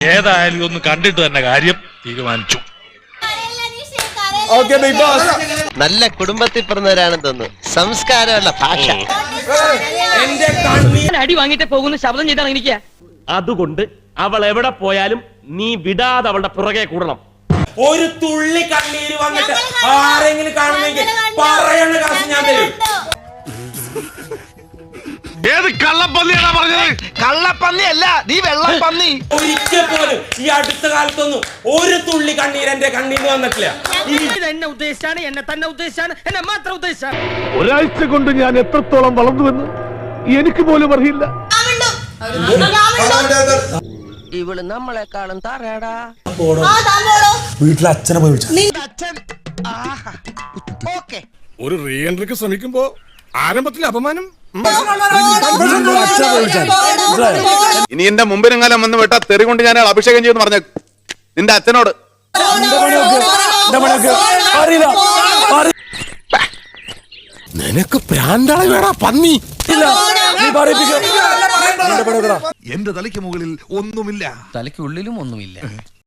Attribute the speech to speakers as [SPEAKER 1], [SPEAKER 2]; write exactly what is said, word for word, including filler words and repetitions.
[SPEAKER 1] ഏതായാലും ഒന്ന് കണ്ടിട്ട് തന്നെ കാര്യം തീരുമാനിച്ചു.
[SPEAKER 2] നല്ല കുടുംബത്തിൽ പിറന്നവരാണെന്ന് തോന്നുന്നു. സംസ്കാരമുള്ള ഭാഷ.
[SPEAKER 3] അടി വാങ്ങിട്ട് പോകുന്ന ശബ്ദം ചെയ്താണ് എനിക്ക്.
[SPEAKER 4] അതുകൊണ്ട് അവൾ എവിടെ പോയാലും നീ വിടാതെ അവളുടെ പുറകെ കൂടണം.
[SPEAKER 5] ഒരു തുള്ളി കണ്ണീര് വന്നിട്ട് ആരെങ്കിലും കാണുന്നെങ്കിൽ പറയണ കാശ് ഞാൻ തരും.
[SPEAKER 1] ഏത് കള്ളപ്പന്നിയാണോ പറഞ്ഞത്?
[SPEAKER 2] കള്ളപ്പന്നി അല്ല, നീ വെള്ളപ്പന്നി.
[SPEAKER 5] ഒരിക്കൽ പോലും ഈ അടുത്ത കാലത്തൊന്നും ഒരു തുള്ളി കണ്ണീര് എന്റെ കണ്ണീര് വന്നിട്ടില്ല.
[SPEAKER 3] എന്നെ ഉദ്ദേശിച്ചാണ്, എന്നെ തന്നെ ഉദ്ദേശിച്ചാണ്, എന്നെ മാത്രം ഉദ്ദേശിച്ചാണ്.
[SPEAKER 6] ഒരാഴ്ച കൊണ്ട് ഞാൻ എത്രത്തോളം വളർന്നുവെന്ന് എനിക്ക് പോലും അറിയില്ല.
[SPEAKER 3] ഇവള് നമ്മളെക്കാളും താറേടാ.
[SPEAKER 5] വീട്ടിലെ അച്ഛനെ പോയി വിളിച്ചു.
[SPEAKER 7] ഒരു റീ എൻട്രിക്ക് ശ്രമിക്കുമ്പോ ആരംഭത്തിലെ അപമാനം.
[SPEAKER 8] ഇനി എന്റെ മുമ്പിനെങ്ങാനും വന്ന് വിട്ടാ തെറി കൊണ്ട് ഞാൻ അഭിഷേകം ചെയ്യുമെന്ന് പറഞ്ഞു നിന്റെ അച്ഛനോട്.
[SPEAKER 7] നിനക്ക് പ്രാന്താളി വേടാ പന്നി.
[SPEAKER 6] എന്റെ തലയ്ക്ക് മുകളിൽ ഒന്നുമില്ല,
[SPEAKER 9] തലയ്ക്കുള്ളിലും ഒന്നുമില്ല.